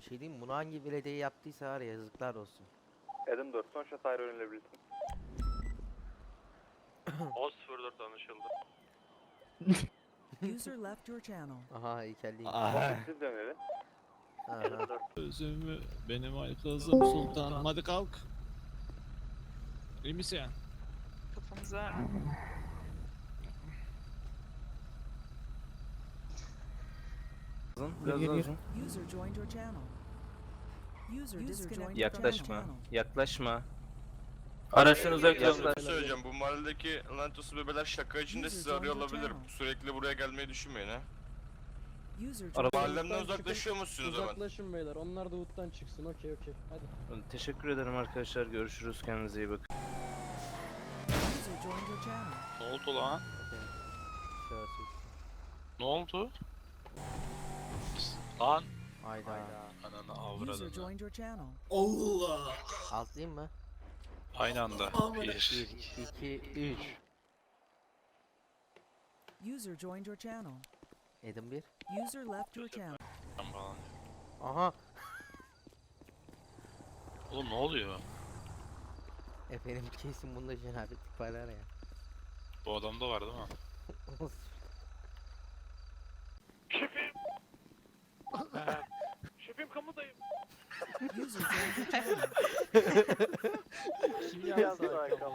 Bir şey diyeyim mi? Bunu hangi belediye yaptıysa var ya, yazıklar olsun. Adam 4 son şat ayrı öğrenilebilirsin. 10.04 anlaşıldı. User left your channel. Aha heykelliğim. Siz dönelim. Aha. Özümü benim ay kızım sultanım, hadi kalk. İyi misin? Kafamıza Biraz daha uzun. User joined your channel. User disconnected from your Yaklaşma. channel. Yaklaşma. Araçtan uzak Yaklaş. durun. Bir şey söyleyeceğim. Bu mahalledeki lanetosuz bebeler şaka içinde sizi arıyor olabilir. Sürekli buraya gelmeyi düşünmeyin ha. User Araba- joined Mahallemden uzaklaşıyor musunuz hemen? Uzaklaşın beyler. Onlar da UT'tan çıksın. Okey. Hadi. Teşekkür ederim arkadaşlar. Görüşürüz. Kendinize iyi bakın. user joined your channel. Ne oldu lan? Ne oldu? Lan. Hayda. Ananı User avradını. joined your channel. Altlayayım mı? Aynı anda. 1, 1. 2, 3. User joined your channel. Edim 1. User left your channel. Aha. Oğlum ne oluyor? Efendim kesin bunda cenabetlik var ya. Bu adamda var değil mi? Şefim kamudayım. User joined your channel. Kim yazdı arkama?